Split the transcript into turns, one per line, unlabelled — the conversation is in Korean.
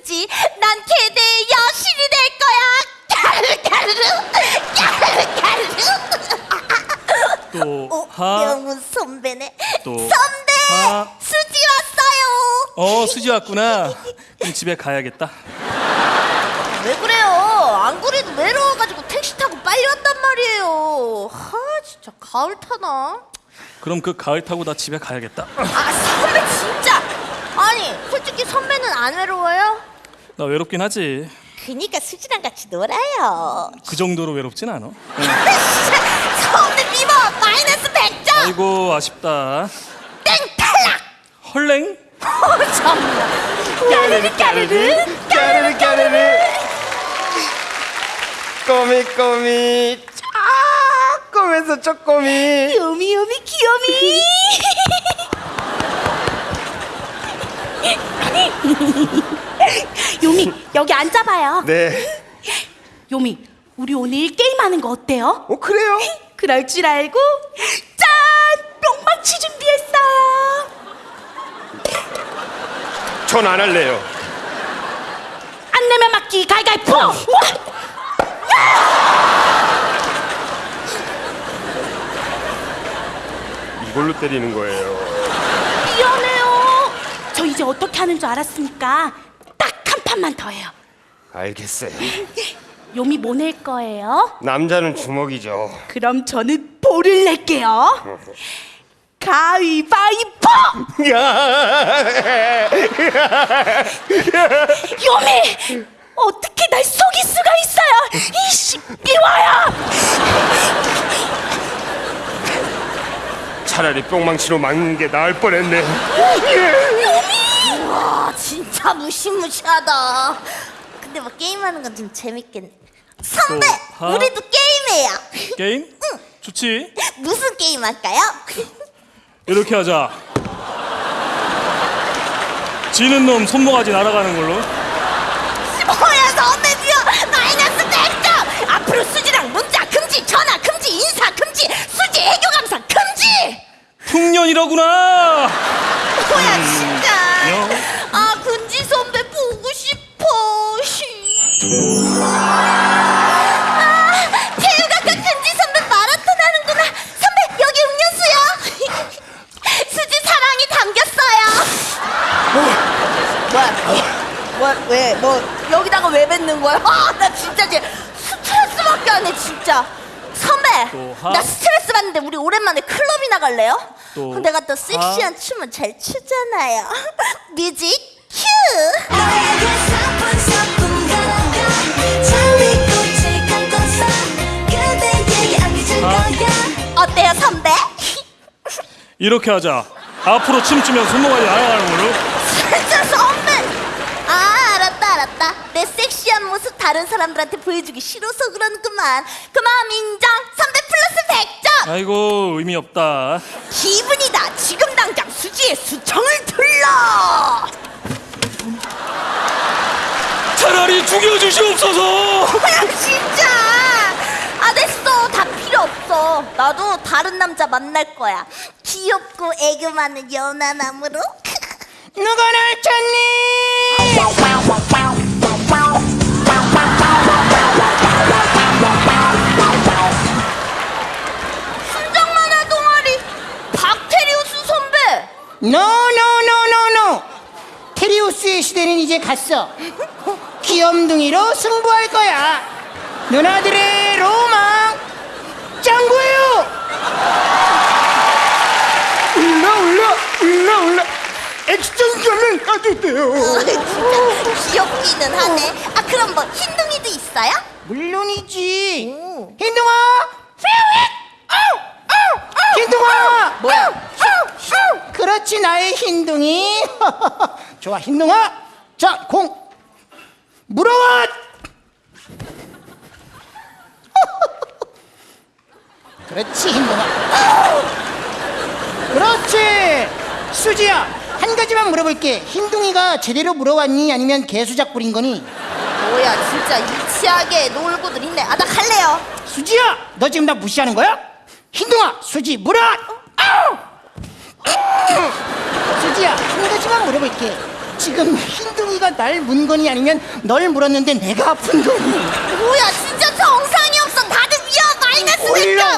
수지, 난 걔네의 여신이 될 거야.
또 하.
명훈 선배네.
또
선배,
하.
수지 왔어요.
수지 왔구나. 그럼 집에 가야겠다.
왜 그래요? 안 그래도 외로워가지고 택시 타고 빨리 왔단 말이에요. 진짜 가을 타나?
그럼 그 가을 타고 나 집에 가야겠다.
선배 진짜. 아니 솔직히 선배는 안 외로워요?
나 외롭긴 하지.
그니까 수지랑 같이 놀아요.
그 정도로 외롭진 않아.
선배 미워. 마이너스 100점.
아이고 아쉽다.
땡 탈락.
헐랭?
참나. 까르르 까르르
까르르 까르르 꼬미 조금에서 쪼꼬미
요미 요미 귀요미.
요미 여기 앉아봐요.
네.
요미 우리 오늘 게임하는 거 어때요?
그래요?
그럴 줄 알고 짠! 뿅망치 준비했어요.
전 안 할래요.
안 내면 맞기 가위가위보.
이걸로 때리는 거예요.
미안해요. 저 이제 어떻게 하는 줄 알았으니까 딱 한 판만 더 해요.
알겠어요.
요미 뭐 낼 거예요?
남자는 주먹이죠.
그럼 저는 볼을 낼게요. 가위바위보! 요미! 어떻게 날 속일 수가 있어요? 이 시끼와야!
차라리 뿅망치로 막는 게 나을 뻔했네.
와 진짜 무시무시하다. 근데 뭐 게임하는 건 좀 재밌겠네. 선배,
또 하.
우리도 게임해요.
게임?
응.
좋지.
무슨 게임 할까요?
이렇게 하자. 지는 놈 손모가지 날아가는 걸로.
뭐야 선배지요? 마이너스 100점. 앞으로 수지랑 문자 금지, 전화 금지, 인사 금지, 수지 애교 감상 금지.
풍년이라구나.
뭐야 진짜.
요.
근지 선배 보고 싶어. 태우가까 근지 선배 마라톤 하는구나. 선배 여기 음료수요. 수지 사랑이 담겼어요. 왜? 여기다가 왜 뱉는 거야? 나 진짜 이제 스트레스밖에 안 해 진짜. 선배,
또 하.
나 스트레스 받는데 우리 오랜만에 클럽이나 갈래요?
또
내가 또 섹시한
하.
춤을 잘 추잖아요. 뮤직 큐. 어때요 선배?
이렇게 하자. 앞으로 춤추면 손모가지 날아가는 걸로.
진짜 선배. 알았다. 내 섹시한 모습 다른 사람들한테 보여주기 싫어서 그러는구만. 그 마음 인정. 선배 플러스 100점.
아이고 의미 없다.
기분이다. 지금 당장 수지의 수청을 들러.
차라리 죽여주시옵소서.
뭐야 진짜. 됐어. 다 필요 없어. 나도 다른 남자 만날 거야. 귀엽고 애교 많은 연하남으로.
누가 날 찾니?
순정 만화 동아리 박테리우스 선배.
노. 테리우스의 시대는 이제 갔어. 귀염둥이로 승부할 거야. 누나들의 로망 짱구예요. 올라. 액션감은 아주 돼요.
진짜 귀엽기는 하네. 그럼 뭐 흰둥이도 있어요?
물론이지.
오.
흰둥아. 흰둥아.
뭐야?
그렇지 나의 흰둥이. 좋아 흰둥아. 자 공 물어와. 그렇지 흰둥아. 그렇지. 수지야 한 가지만 물어볼게. 흰둥이가 제대로 물어왔니 아니면 개수작 부린 거니?
뭐야 진짜 유치하게 놀고들 있네. 나 갈래요.
수지야 너 지금 나 무시하는 거야? 흰둥아 수지 물어. 수지야 한 가지만 물어볼게. 지금 흰둥이가 날 문 거니 아니면 널 물었는데 내가 아픈 거니?
뭐야 진짜 정상이 없어. 다들 위험 마이너스 100점.